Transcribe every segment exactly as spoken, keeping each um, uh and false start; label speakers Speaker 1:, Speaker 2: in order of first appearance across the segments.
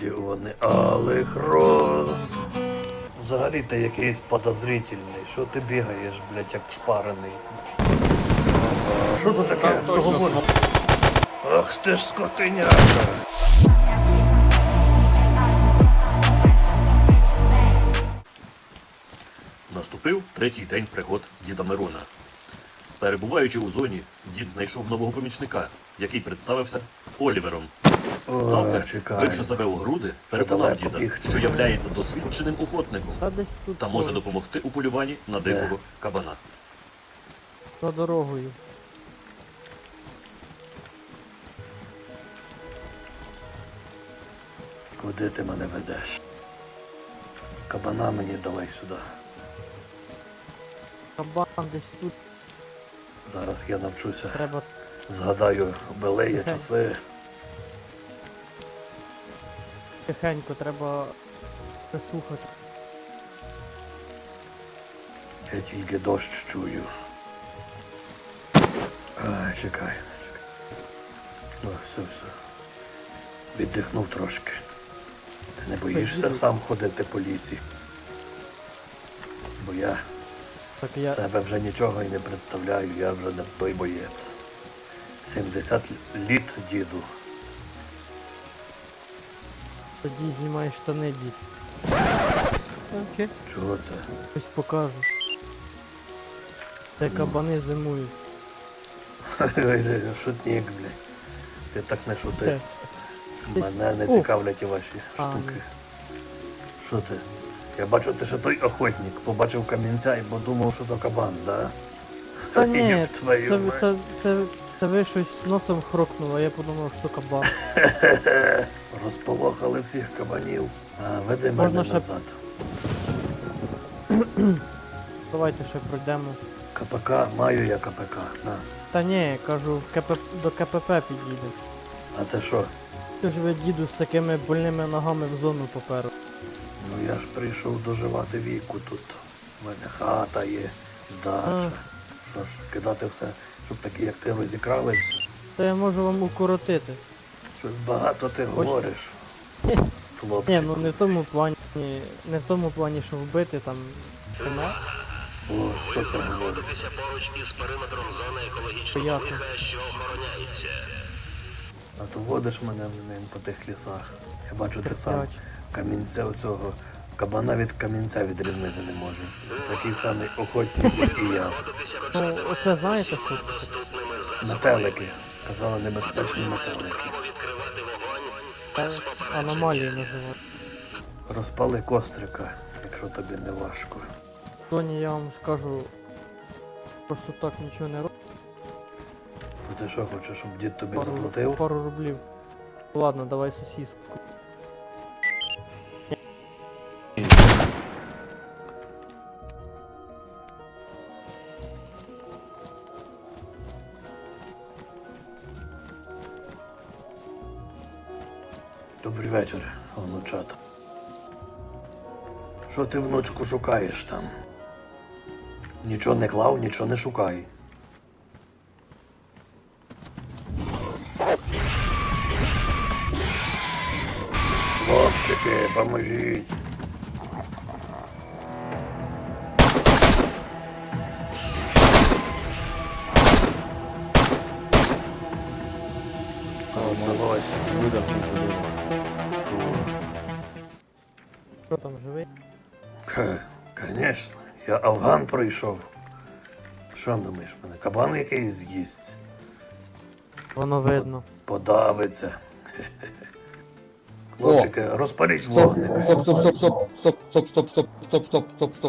Speaker 1: Мільйони алих роз. Взагалі ти якийсь подозрительний. Що ти бігаєш, блядь, як шпарений? А що тут таке? Хто говорить? Ах ти ж скотиняка. Наступив третій день пригод діда Мирона. Перебуваючи у зоні, дід знайшов нового помічника, який представився Олівером. Сталкер, бивши себе у груди, переконав діда, що являється досвідченим охотником та може допомогти у полюванні на дикого кабана.
Speaker 2: За дорогою.
Speaker 1: Куди ти мене ведеш? Кабана мені давай сюди.
Speaker 2: Кабан десь тут.
Speaker 1: Зараз я навчуся.
Speaker 2: Треба
Speaker 1: Згадаю белеї часи.
Speaker 2: тихенько, треба прислухати.
Speaker 1: Я тільки дощ чую. Ай, чекай. О, все, все. Віддихнув трошки. Ти не боїшся сам ходити по лісі? Бо я
Speaker 2: Так я...
Speaker 1: себе вже нічого і не представляю, я вже не той боєць. сімдесят літ, діду.
Speaker 2: Тоді знімай штани, дід. Окей.
Speaker 1: Чого це?
Speaker 2: Ось покажу. Це кабани зимують.
Speaker 1: Шутник, блядь. Ти так не шути.
Speaker 2: Е,
Speaker 1: Мене не
Speaker 2: О.
Speaker 1: цікавлять і ваші
Speaker 2: А,
Speaker 1: штуки. Що ти? Я бачу, ти ще той охотник. Побачив камінця і подумав, що то кабан, да?
Speaker 2: Та ні,
Speaker 1: Ёб твою
Speaker 2: це,
Speaker 1: мать.
Speaker 2: це, це, це ви щось носом хрокнуло, а я подумав, що кабан.
Speaker 1: Розполохали всіх кабанів. А, веди
Speaker 2: Можна
Speaker 1: мене
Speaker 2: ще-
Speaker 1: назад.
Speaker 2: Давайте ще пройдемо.
Speaker 1: КПК, маю я КПК. На.
Speaker 2: Та ні, кажу, КП... до КПП підійде.
Speaker 1: А це що?
Speaker 2: Ти ж ви, діду, з такими больними ногами в зону поперу.
Speaker 1: Ну я ж прийшов доживати віку тут. У мене хата є, дача. Що ж, кидати все, щоб такі, як ти, розікралися.
Speaker 2: Та я можу вам укоротити.
Speaker 1: Щось багато ти говориш.
Speaker 2: Ні,
Speaker 1: Хлопчик.
Speaker 2: Ні, ну не в тому плані, не в тому плані, що вбити там коня.
Speaker 1: О, хто це говорить?
Speaker 3: Поруч із периметром зони екологічного
Speaker 2: Ясно.
Speaker 3: лиха, що охороняється.
Speaker 1: А то водиш мене ним по тих лісах. Я бачу, ти сам
Speaker 2: Терпляч.
Speaker 1: камінця оцього. Кабана від камінця відрізнити не може. Такий самий охотник, як і я.
Speaker 2: Ну, оце знаєте що?
Speaker 1: Метелики. Казали, небезпечні метелики.
Speaker 3: Відкривати вогонь.
Speaker 2: Це аномалії називають.
Speaker 1: Розпали кострика, якщо тобі не важко.
Speaker 2: Тоні, я вам скажу, просто так нічого не роблю.
Speaker 1: Ну ти що хочеш, щоб дід тобі
Speaker 2: Пару,
Speaker 1: заплатив?
Speaker 2: пару рублів. Ладно, давай сосиску.
Speaker 1: Добрий вечір, онучата. Що ти, внучку, шукаєш там? Нічого не клав, нічого не шукай. Хлопчики, поможіть. Здавайся.
Speaker 2: Що там, живий?
Speaker 1: Ха, Конечно, я Афган пройшов. Що думаєш, мене кабан якийсь з'їсть?
Speaker 2: Воно видно.
Speaker 1: Подавиться. Хе-хе-хе. Хлопчики, розпаліть
Speaker 4: Стоп,
Speaker 1: вогник.
Speaker 4: стоп, стоп, стоп, стоп, стоп, стоп, стоп, стоп, стоп, стоп, стоп, стоп.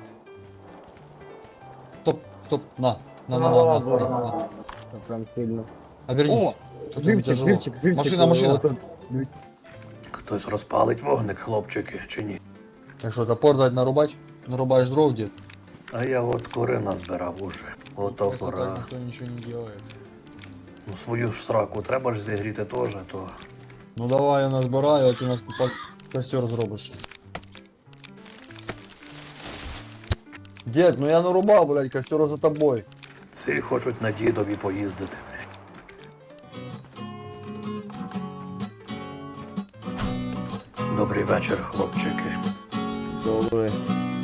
Speaker 4: Стоп, стоп, на, на, на, на, на, на, на.
Speaker 5: Прям сильно.
Speaker 4: Обернись. Что тебе
Speaker 5: Живчик,
Speaker 4: тяжело?
Speaker 5: живчик, живчик.
Speaker 4: Машина, машина.
Speaker 5: отут. Дивись.
Speaker 1: Хтось розпалить вогник, хлопчики, чи ні?
Speaker 4: Так что, топор дать нарубать? Нарубаешь дров, дед?
Speaker 1: А я от кори назбирав уже. Ото
Speaker 4: Просто
Speaker 1: пора.
Speaker 4: так никто ничего не делает.
Speaker 1: Ну свою ж сраку треба ж зігріти теж, то.
Speaker 4: Ну давай я назбираю, а ты нас по- костер зробишь. Дед, ну я нарубал, блядь, костер за тобой.
Speaker 1: Всі хочуть на дідові поїздити. Добрий вечір, хлопчики.
Speaker 4: Добрый.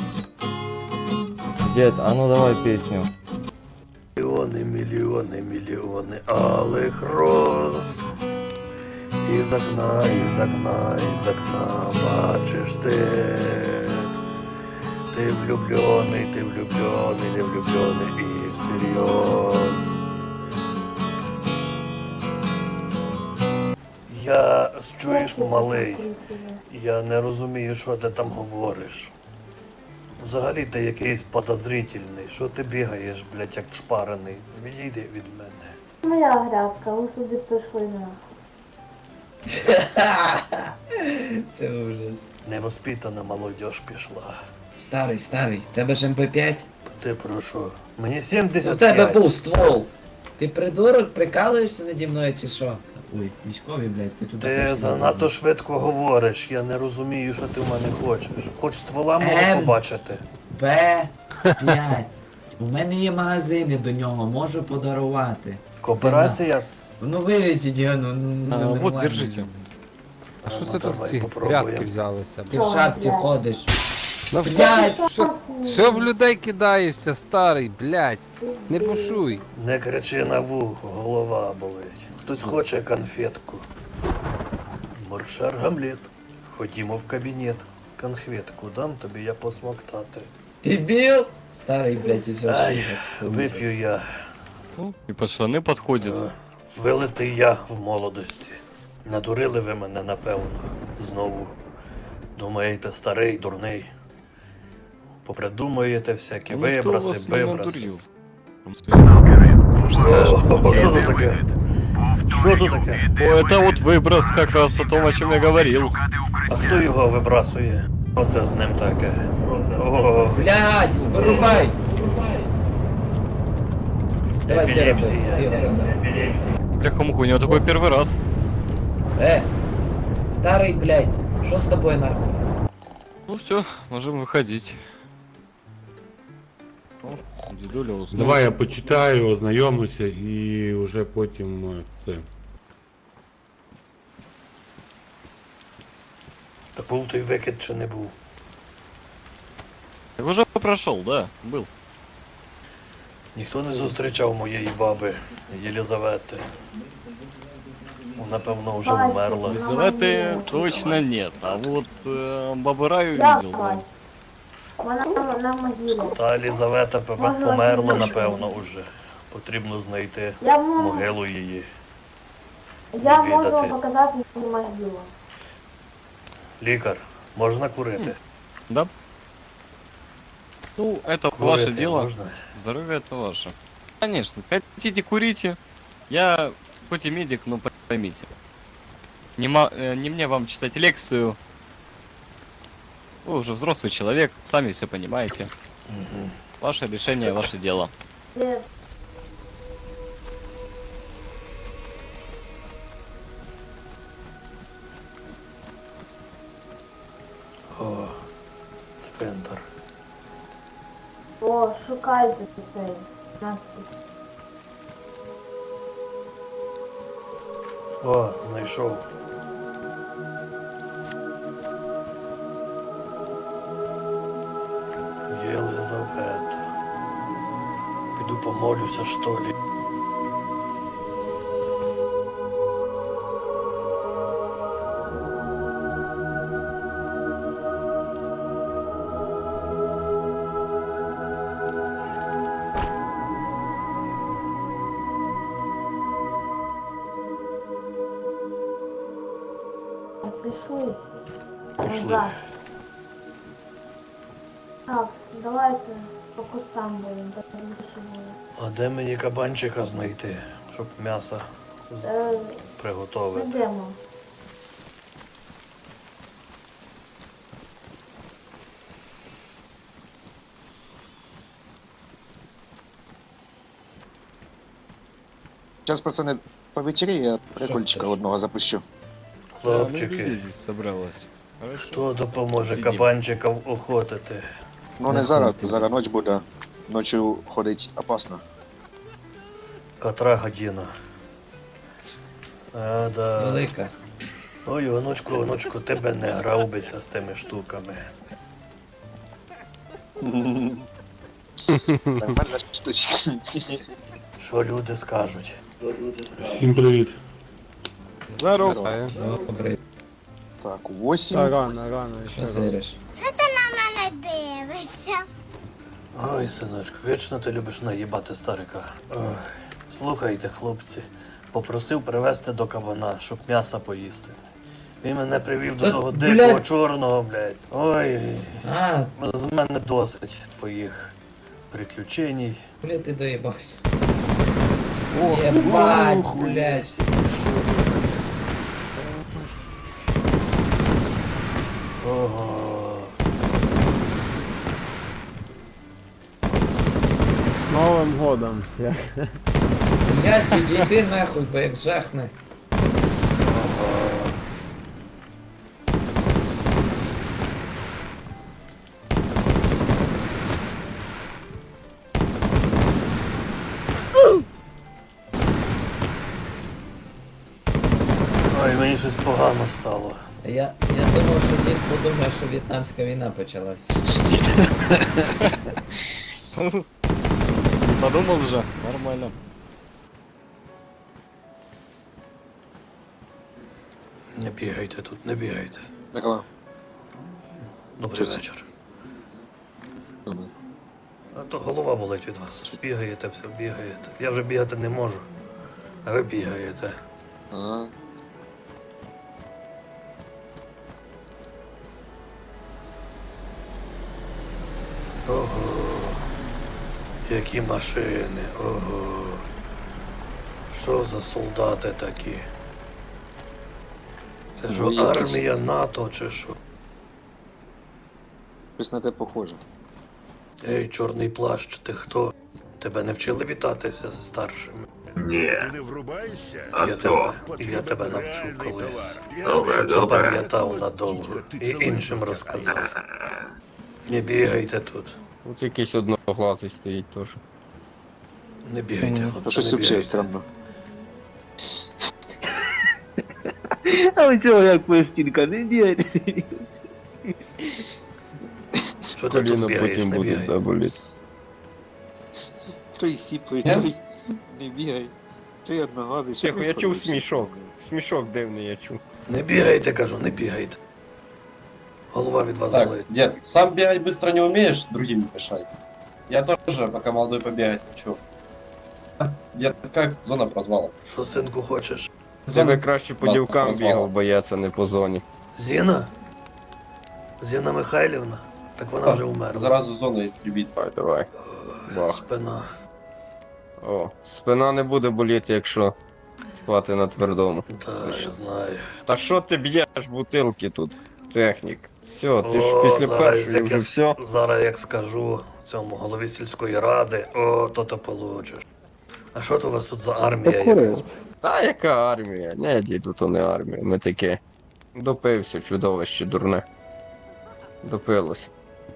Speaker 4: Дед, а ну давай песню.
Speaker 1: Мільйони, мільйони, мільйони алих роз. Із окна, із окна, із окна бачиш ти. Ти влюблений, ти влюблений, не влюблений і всерйоз. Я, чуєш, малий, я не розумію, що ти там говориш. Взагалі ти якийсь подозрительний. Що ти бігаєш, блядь, як вшпарений? Відійди від мене.
Speaker 5: Моя грядка, ви собі пішли на.
Speaker 6: Це ужас.
Speaker 1: Невоспитана молодь пішла.
Speaker 6: Старий, старий, в тебе ж ем пе п'ять?
Speaker 1: Ти про що? Мені
Speaker 6: У
Speaker 1: сімдесят
Speaker 6: тебе
Speaker 1: п'ять.
Speaker 6: був ствол. Ти придурок, прикалуєшся наді мною чи що? Ой, військові, блядь, ти тут.
Speaker 1: Ти занадто швидко говориш, я не розумію, що ти в мене хочеш. Хоч ствола можу
Speaker 6: Ем.
Speaker 1: побачити.
Speaker 6: Б п'ять. У мене є магазини до нього, можу подарувати.
Speaker 1: Кооперація?
Speaker 6: Ну вилізіть його, ну, ну
Speaker 7: А,
Speaker 6: нормально.
Speaker 7: вот, держите. А що
Speaker 1: Ну,
Speaker 7: це тут
Speaker 1: давай
Speaker 7: ці
Speaker 1: попробуємо.
Speaker 7: грядки взялися?
Speaker 6: Ти в шапці ходиш.
Speaker 7: Ну,
Speaker 6: Блядь!
Speaker 7: що, що в людей кидаєшся, старий, блядь? Не бушуй.
Speaker 1: Не кричи на вухо, голова болить. Хтось хоче конфетку. Маршар Гамлет. Ходімо в кабінет. Конфетку дам тобі я посмоктати.
Speaker 6: Ти біл? Старий, блядь, із
Speaker 1: Ай, вип'ю я.
Speaker 7: Ну, і пацани підходять.
Speaker 1: Е, Вилитий я в молодості. Надурили ви мене, напевно, знову. Думаєте, старий, дурний. Попридумуєте всякі
Speaker 7: Ніхто
Speaker 1: вибраси,
Speaker 7: вас не
Speaker 1: вибраси.
Speaker 7: надурив.
Speaker 1: О, що тут таке? Що тут таке?
Speaker 7: О, это вот выброс как раз о том, о чем я говорил.
Speaker 1: А хто його вибрасує? Оце з ним таке. О,
Speaker 6: Блядь, вирубай! Давай ти роби.
Speaker 1: епілепсія.
Speaker 6: Ти його роби.
Speaker 7: Бляха-муха, у него такой первый раз.
Speaker 6: Е, старий, блядь, що з тобою нахуй?
Speaker 7: Ну все, можем выходить. О, дедуля уснул.
Speaker 8: Давай я почитаю, ознайомлюся і вже потім е, це.
Speaker 1: Та був той викид чи не був?
Speaker 7: Так уже прошел, да, был.
Speaker 1: Ніхто не зустрічав моєї баби Єлізавети. Напевно, вже вмерла.
Speaker 7: Елизаветы точно нет, а вот э, Бабы Раю
Speaker 5: Я
Speaker 7: видел, да.
Speaker 5: бачу. Вона на- на могилі.
Speaker 1: Та Єлізавета пе-
Speaker 5: Може,
Speaker 1: померла,
Speaker 5: вас не
Speaker 1: напевно, уже. Потрібно знайти
Speaker 5: Я можу,
Speaker 1: могилу її.
Speaker 5: я можу
Speaker 1: відвідати.
Speaker 5: показати її могилу.
Speaker 1: Лікар, можна курити?
Speaker 7: Да? Ну, это
Speaker 1: Курити
Speaker 7: ваше дело.
Speaker 1: можна?
Speaker 7: Здоровье это ваше. Конечно, хотите курите. Я хоть и медик, но поймите. Не, ма- э, не мне вам читать лекцию. Вы уже взрослый человек, сами все понимаете.
Speaker 1: Мгм.
Speaker 7: Ваше решение, ваше дело.
Speaker 5: Де
Speaker 1: О, цвинтар.
Speaker 5: О, шукайте цей надпис.
Speaker 1: О, знайшов. Єлизавета. Піду помолюся, що ли.
Speaker 5: Пішли.
Speaker 1: Пішли.
Speaker 5: Назад. Так, давайте по кустам будемо, так більше буде.
Speaker 1: А де мені кабанчика знайти, щоб м'ясо з-
Speaker 5: Е,
Speaker 1: приготувати?
Speaker 5: Йдемо.
Speaker 9: Сейчас, пацаны, повечерее, я прикольчика
Speaker 6: Що?
Speaker 9: одного запущу.
Speaker 7: Да, ну,
Speaker 1: Хлопчики,
Speaker 7: людей здесь собралось. Хорошо.
Speaker 1: хто допоможе
Speaker 7: Сидім.
Speaker 1: кабанчика охотити?
Speaker 9: Ну не зараз, зараз ноч буде. Ночью ходить опасно.
Speaker 1: Котра година? А, да.
Speaker 6: Велика.
Speaker 10: Ой, онучку, онучку, ти би не грав бися з тими штуками.
Speaker 9: Нормальна штучка.
Speaker 10: Що люди скажуть?
Speaker 8: Всім привіт.
Speaker 7: Здорово.
Speaker 6: Добре,
Speaker 9: Так, восемь.
Speaker 2: Та рано, рано, ще
Speaker 6: що
Speaker 2: рано.
Speaker 6: сириш?
Speaker 10: Ой, синочку, вічно ти любиш наїбати старика. Ой, слухайте, хлопці, попросив привезти до кабана, щоб м'яса поїсти. Він мене привів до
Speaker 6: Та,
Speaker 10: того
Speaker 6: блядь.
Speaker 10: дикого чорного, блядь. Ой,
Speaker 6: А,
Speaker 10: з мене досить твоїх приключень.
Speaker 6: бля, ти доїбався. Єбать, блядь.
Speaker 10: Ого.
Speaker 2: З Новим годом всіх.
Speaker 6: Блядь, підійди нахуй, бо як жахне.
Speaker 10: Ой, мені щось погано стало.
Speaker 6: Я, я думав, що дід подумає, що в'єтнамська війна почалась.
Speaker 7: Подумал же, нормально.
Speaker 10: Не бігайте тут, не бігайте.
Speaker 9: Здорово.
Speaker 10: Добрий вечір. А то голова болить від вас. Бігаєте, все, бігаєте. Я вже бігати не можу. А ви бігаєте.
Speaker 9: Ага.
Speaker 10: Ого. Які машини, ого. Що за солдати такі? Це ж
Speaker 9: Ну,
Speaker 10: армія НАТО чи що?
Speaker 9: Щось на те похоже.
Speaker 10: Ей, чорний плащ, ти хто? Тебе не вчили вітатися з старшими?
Speaker 11: Ти не врубаєшся?
Speaker 10: Я тебе, я тебе навчу колись. Запам'ятав надовго і іншим розказав. Не бігайте тут.
Speaker 7: Тут якийсь одноглазий стоїть теж.
Speaker 10: Не бігайте,
Speaker 9: Та
Speaker 10: хлопці,
Speaker 9: щось
Speaker 10: не
Speaker 9: взагалі
Speaker 10: бігайте.
Speaker 9: странно.
Speaker 11: Але цього як пластинка, не бігай.
Speaker 10: Що ти тут бігаєш, не бігай.
Speaker 7: боліти.
Speaker 9: Той сіпий,
Speaker 6: Я?
Speaker 9: той не бігай. Той одногазий. що
Speaker 7: Тихо, я чув
Speaker 9: происходить?
Speaker 7: смішок. Смішок дивний я чув.
Speaker 10: Не бігайте, кажу, не бігайте. Голова від вас
Speaker 12: Так,
Speaker 10: болить.
Speaker 12: дед, сам бегать быстро не умеешь, другим не мешай. Я тоже, пока молодой, побегать хочу. А, дед, как зона прозвала?
Speaker 10: Що, синку, хочеш?
Speaker 7: Я би краще по
Speaker 12: Вас
Speaker 7: дівкам
Speaker 12: прозвала.
Speaker 7: бігав, бо я це не по зоні.
Speaker 10: Зіна? Зіна Михайлівна? Так вона вже умерла.
Speaker 12: Заразу зона истребить.
Speaker 7: Давай, давай. Бах.
Speaker 10: Спина.
Speaker 7: О, спина не буде боліти, якщо спати на твердому.
Speaker 10: Та, я знаю.
Speaker 7: Та що ти б'єш бутилки тут, технік? Все, ти ж
Speaker 10: О,
Speaker 7: після
Speaker 10: зараз
Speaker 7: першої
Speaker 10: як
Speaker 7: вже
Speaker 10: я-
Speaker 7: все.
Speaker 10: Зараз як скажу цьому голові сільської ради, о, то то получиш. А що то у вас тут за армія? якась?
Speaker 7: Та яка армія? Не, діду, то не армія. Ми таке. Допився, чудовище дурне. Допилось.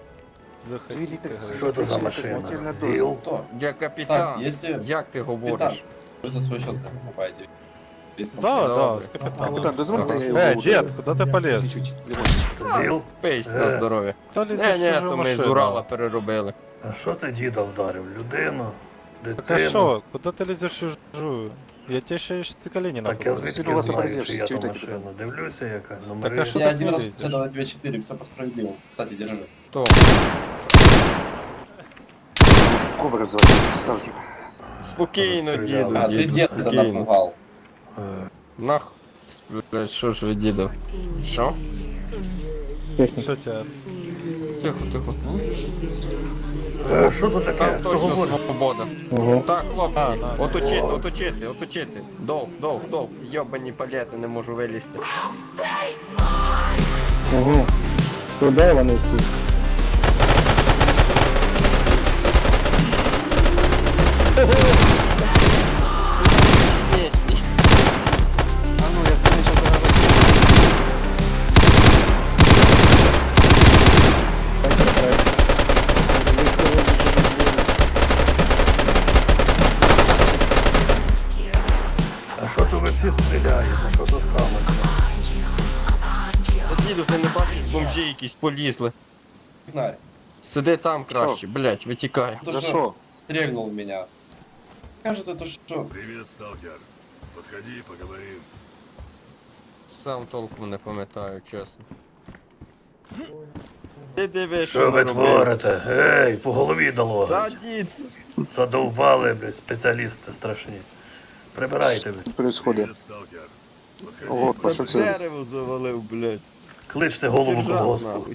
Speaker 10: Що то за машина? ЗІЛ?
Speaker 12: Кто?
Speaker 7: Я капітан.
Speaker 12: Так, если
Speaker 7: Як ти говориш?
Speaker 12: вы за свой счет покупаете.
Speaker 7: Да, да,
Speaker 12: с
Speaker 9: Капітан, дозвольте, я
Speaker 7: Е,
Speaker 9: його
Speaker 7: дід,
Speaker 9: буду-
Speaker 7: куди ти поліз?
Speaker 9: чуть-чуть.
Speaker 10: ЗІЛ?
Speaker 7: Пись
Speaker 10: Е.
Speaker 7: на здоров'я. Не, не, то ми з Урала переробили.
Speaker 10: А що ти діда вдарив? Людину?
Speaker 13: Так а
Speaker 10: Дитину?
Speaker 13: что? Куда ты лезешь чужую? Я тебе ще й ці коліні
Speaker 10: Так я
Speaker 13: нахуй.
Speaker 10: звідки
Speaker 9: Ти у вас
Speaker 10: знаю,
Speaker 9: перевіриш,
Speaker 10: чи я
Speaker 9: чи
Speaker 10: ту
Speaker 9: ти
Speaker 10: машину? Дивлюся, яка
Speaker 13: Так, а
Speaker 10: номери.
Speaker 13: що
Speaker 12: Я
Speaker 13: ты
Speaker 12: один
Speaker 13: не
Speaker 12: раз
Speaker 13: лезешь?
Speaker 12: сказал на две четыре, все по справедливому. Кстати, держи.
Speaker 7: То.
Speaker 9: Ковер звати. Ставки.
Speaker 7: Спокійно,
Speaker 10: Розстріляли.
Speaker 7: діду,
Speaker 12: А, ты
Speaker 7: діду,
Speaker 12: дед тогда
Speaker 7: спокійно.
Speaker 12: напугал.
Speaker 10: Е,
Speaker 7: Нах. Блять, що ж ви, діду? Що?
Speaker 13: Що тебе?
Speaker 7: Тихо, тихо.
Speaker 10: е, Що тут таке?
Speaker 7: Там
Speaker 10: Хто
Speaker 7: точно
Speaker 10: говорить?
Speaker 7: свобода. Так, хлопці,
Speaker 13: А, на.
Speaker 7: оточити, оточити, оточити. Дов, дов, дов. Йобані палети, не можу вилізти.
Speaker 2: Ого. Куди вони всі?
Speaker 10: А що то ви всі стріляєте? Що то сталося?
Speaker 13: Бомжі якісь полізли.
Speaker 12: Фонарь.
Speaker 13: Сиди там краще, блять, витікай.
Speaker 12: То
Speaker 9: За
Speaker 12: что?
Speaker 9: що?
Speaker 12: Стрельнул в меня. Кажется, то что?
Speaker 8: Привет, сталкер. Подходи, поговорим.
Speaker 13: Сам толком не пам'ятаю, чесно. Ти диви,
Speaker 10: Що ви творите? Ей, по голові дало.
Speaker 13: Та дід,
Speaker 10: Задовбали, блядь, спеціалісти страшні. Прибирайте, блядь.
Speaker 9: Що происходит?
Speaker 8: Привет, сталкер.
Speaker 9: Ого,
Speaker 8: Подходи.
Speaker 9: що це?
Speaker 13: дерево завалив, блять.
Speaker 10: Кличте голову
Speaker 13: Сержант,
Speaker 10: колгоспу.
Speaker 13: нахуй.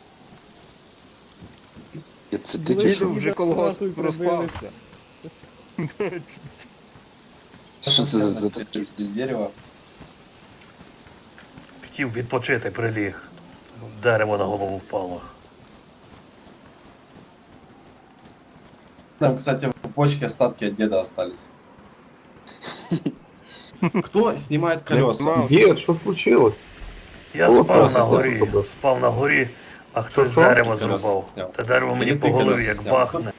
Speaker 9: Це ти
Speaker 2: Ви
Speaker 9: чи
Speaker 2: ж
Speaker 9: що?
Speaker 13: Діду вже колгосп
Speaker 2: нахуй
Speaker 13: проспав.
Speaker 2: прибилися.
Speaker 9: Що це за таке?
Speaker 12: Без дерева.
Speaker 10: Хотів відпочити, приліг. Дерево на голову впало.
Speaker 12: Там, кстати, в почке остатки от деда остались. Кто снимает колеса?
Speaker 8: Дед, що случилось?
Speaker 10: Я
Speaker 8: О,
Speaker 10: спав
Speaker 8: це
Speaker 10: на
Speaker 8: все
Speaker 10: горі,
Speaker 8: собі.
Speaker 10: спав на горі, а хтось
Speaker 8: що?
Speaker 10: дерево
Speaker 12: Колеса
Speaker 10: зрубав.
Speaker 12: зняв.
Speaker 10: Те дерево мені
Speaker 12: Или
Speaker 10: по
Speaker 12: ти
Speaker 10: голові
Speaker 12: колеса
Speaker 10: як
Speaker 12: зняв?
Speaker 10: бахне.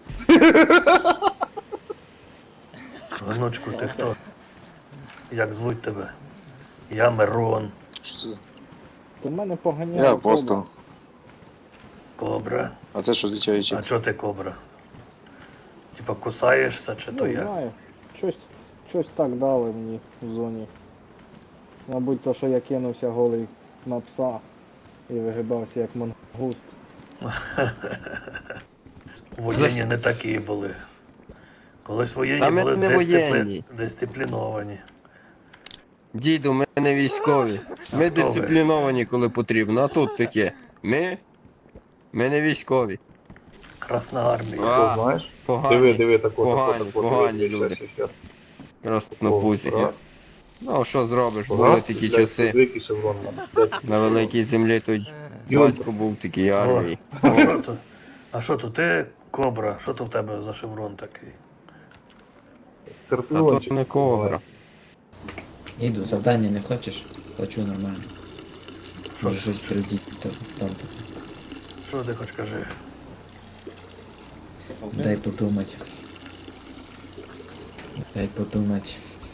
Speaker 10: Гнучку, ти хто? Як звуть тебе? Я Мирон.
Speaker 9: Що це?
Speaker 11: Ти мене поганяє.
Speaker 9: Я апостол.
Speaker 10: Кобра.
Speaker 9: А це що означає?
Speaker 10: А чого ти кобра? Типа кусаєшся чи то
Speaker 11: Ну,
Speaker 10: як?
Speaker 11: знаю. Щось, щось так дали мені в зоні. Мабуть, то, що я кинувся голий на пса і вигибався як мангуст.
Speaker 10: Воєнні не такі були. Колись воєнні
Speaker 13: Та ми
Speaker 10: були
Speaker 13: не
Speaker 10: дисципли...
Speaker 13: воєнні.
Speaker 10: дисципліновані.
Speaker 13: Діду, ми не військові. Ми
Speaker 10: хто ви?
Speaker 13: дисципліновані, коли потрібно, а тут таке. Ми? Ми не військові.
Speaker 10: Красна армія.
Speaker 13: А,
Speaker 8: знаєш?
Speaker 13: погані,
Speaker 8: Диви, диви, тако,
Speaker 13: погані,
Speaker 8: тако, тако,
Speaker 13: погані
Speaker 8: диви,
Speaker 13: люди.
Speaker 8: щас, щас.
Speaker 13: краснопузі.
Speaker 8: Раз.
Speaker 13: Ну, що зробиш,
Speaker 8: Раз,
Speaker 13: були такі
Speaker 8: блядь,
Speaker 13: часи.
Speaker 8: великий шеврон, блядь.
Speaker 13: На великій землі тут
Speaker 8: Юлька.
Speaker 13: батько був в такій армії.
Speaker 10: А що то? А що то ти кобра? Що то в тебе за шеврон такий?
Speaker 13: А то
Speaker 8: Скорпіончик.
Speaker 13: не кобра.
Speaker 6: Іду, завдання не хочеш? Хочу нормально.
Speaker 10: Що
Speaker 6: Може
Speaker 10: ж?
Speaker 6: щось прийдіть там. там.
Speaker 10: Що ти хоч кажи?
Speaker 6: Дай подумати. Дай подумати.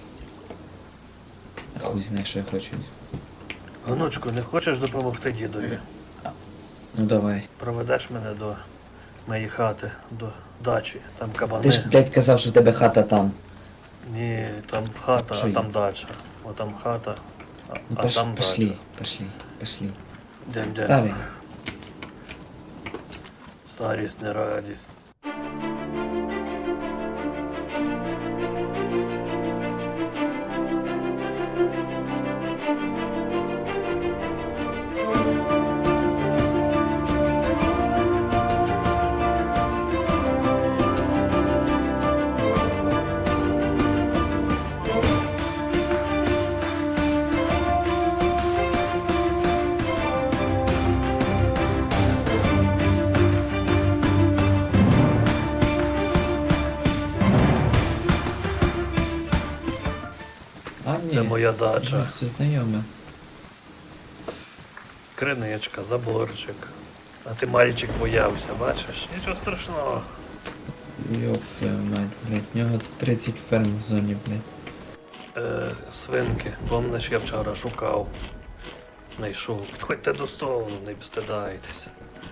Speaker 6: А хуй знає, що я хочу.
Speaker 10: Гнучку, не хочеш допомогти дідові?
Speaker 6: Ну давай.
Speaker 10: Проведеш мене до моєї хати, до дачі. Там
Speaker 6: Ти
Speaker 10: кабани.
Speaker 6: ж, блядь, казав, що в тебе хата там.
Speaker 10: Ні, там хата,
Speaker 6: Що
Speaker 10: а
Speaker 6: є?
Speaker 10: там дача. О, там хата, а,
Speaker 6: Ну
Speaker 10: а
Speaker 6: пош,
Speaker 10: там
Speaker 6: пошли,
Speaker 10: дача.
Speaker 6: пошли, пошли.
Speaker 10: Дем, дем.
Speaker 6: Старий.
Speaker 10: Старість не радість.
Speaker 6: А ні.
Speaker 10: Це моя дача.
Speaker 6: Це знайоме.
Speaker 10: Криничка, заборчик. А ти мальчик боявся, бачиш? Нічого страшного.
Speaker 6: Йоп твою мать, блядь. В нього тридцять ферм в зоні, блядь.
Speaker 10: Е, свинки, помниш, я вчора шукав. Знайшов. Підходьте до столу, не встидайтесь.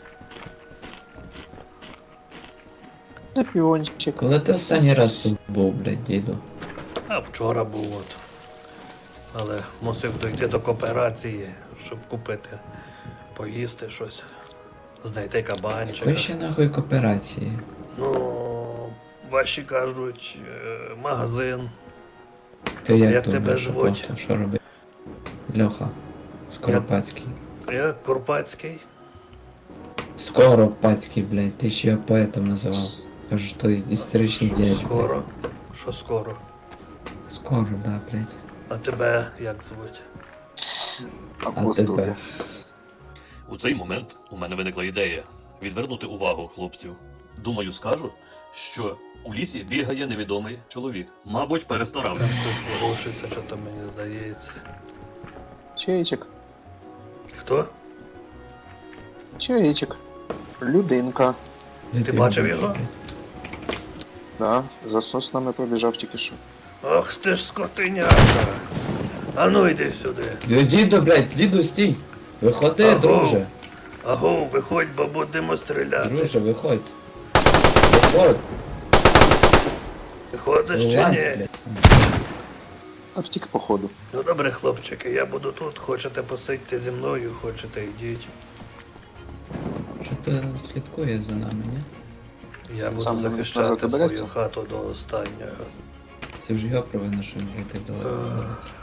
Speaker 9: Скорпіончик.
Speaker 6: Коли ти останній раз тут був, блядь, діду?
Speaker 10: А вчора був от. Але мусив дойти до кооперації, щоб купити, поїсти щось, знайти кабанчика.
Speaker 6: Якої ще нахуй кооперації?
Speaker 10: Ну, ваші кажуть, е, магазин.
Speaker 6: Ти як,
Speaker 10: Як
Speaker 6: тут,
Speaker 10: тебе
Speaker 6: блядь, що
Speaker 10: звуть?
Speaker 6: просто, що робити? Льоха. Скоропадський.
Speaker 10: Я Курпатський.
Speaker 6: Скоропадський, блядь, ти ще його поетом називав. Кажу, що історичний
Speaker 10: Що
Speaker 6: дядь.
Speaker 10: скоро? Що скоро?
Speaker 6: Скоро, да, блядь.
Speaker 10: А тебе як звуть?
Speaker 6: А
Speaker 9: Апостол.
Speaker 6: тебе?
Speaker 1: У цей момент у мене виникла ідея відвернути увагу хлопців. Думаю, скажу, що у лісі бігає невідомий чоловік. Мабуть, перестарався.
Speaker 10: Хтось ворушиться, що то мені здається.
Speaker 9: Чайчик.
Speaker 10: Хто?
Speaker 9: Чайчик. Людинка.
Speaker 6: Де
Speaker 10: Ти бачив
Speaker 6: бачив,
Speaker 10: його?
Speaker 6: блядь?
Speaker 9: Да, за соснами пробіжав тільки що.
Speaker 10: Ох ти ж скотиняка. А ну йди сюди.
Speaker 6: Ді- Діду, блядь, діду, стій! Виходи,
Speaker 10: Аго.
Speaker 6: друже.
Speaker 10: Аго, виходь, бо будемо стріляти.
Speaker 6: Друже, виходь. Виходь.
Speaker 10: Виходиш чи
Speaker 6: Вилазь,
Speaker 10: ні?
Speaker 6: блядь.
Speaker 9: А втік походу.
Speaker 10: Ну добре, хлопчики, я буду тут. Хочете посидьте зі мною, хочете йдіть.
Speaker 6: Що-то слідкує за нами, ні?
Speaker 10: Я буду
Speaker 9: Сам
Speaker 10: захищати
Speaker 9: тебе
Speaker 10: свою
Speaker 9: берете?
Speaker 10: хату до останнього.
Speaker 6: Це вже його провина, що він так далеко.
Speaker 10: Е,
Speaker 6: ходить.